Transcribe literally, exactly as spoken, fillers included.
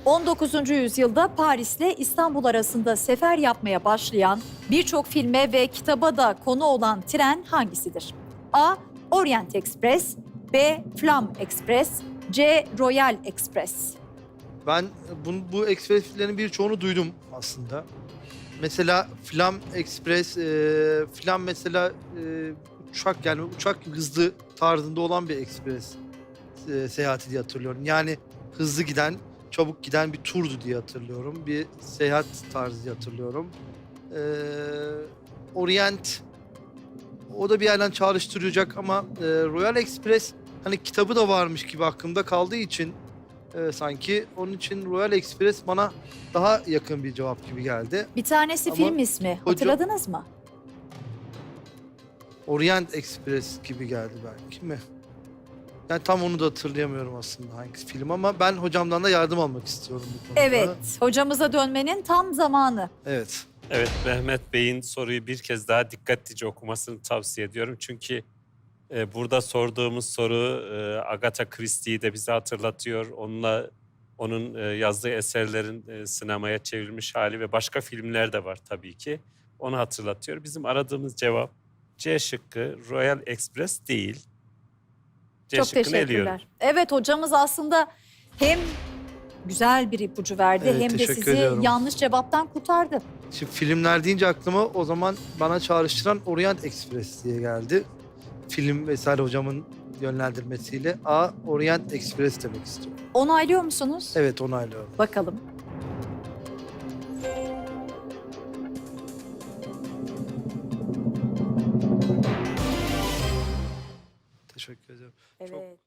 on dokuzuncu yüzyılda Paris ile İstanbul arasında sefer yapmaya başlayan, birçok filme ve kitaba da konu olan tren hangisidir? A. Orient Express, B. Flam Express, C. Royal Express. Ben bu, bu ekspreslerin birçoğunu duydum aslında. Mesela Flam Express, e, Flam mesela e, uçak yani uçak hızlı tarzında olan bir ekspres e, seyahati diye hatırlıyorum. Yani hızlı giden, çabuk giden bir turdu diye hatırlıyorum. Bir seyahat tarzı diye hatırlıyorum. E, Orient, o da bir yerden çağrıştıracak ama e, Royal Express hani kitabı da varmış gibi aklımda kaldığı için e, sanki onun için Royal Express bana daha yakın bir cevap gibi geldi. Bir tanesi Ama film ismi. Hatırladınız mı? Orient Express gibi geldi belki mi? Yani tam onu da hatırlayamıyorum aslında hangisi film ama ben hocamdan da yardım almak istiyorum bu konuda. Evet, hocamıza dönmenin tam zamanı. Evet. Evet, Mehmet Bey'in soruyu bir kez daha dikkatlice okumasını tavsiye ediyorum. Çünkü e, burada sorduğumuz soru e, Agatha Christie'yi de bize hatırlatıyor. Onunla onun e, yazdığı eserlerin e, sinemaya çevrilmiş hali ve başka filmler de var tabii ki. Onu hatırlatıyor. Bizim aradığımız cevap C şıkkı, Royal Express değil. C Çok şıkkını eliyorum. teşekkürler. Evet, hocamız aslında hem güzel bir ipucu verdi Evet, hem de teşekkür sizi ediyorum. yanlış cevaptan kurtardı. Şimdi filmler deyince aklıma o zaman bana çağrıştıran Orient Express diye geldi. Film vesaire hocamın yönlendirmesiyle A. Orient Express demek istiyorum. Onaylıyor musunuz? Evet, onaylıyorum. Bakalım. Teşekkür ederim. Evet.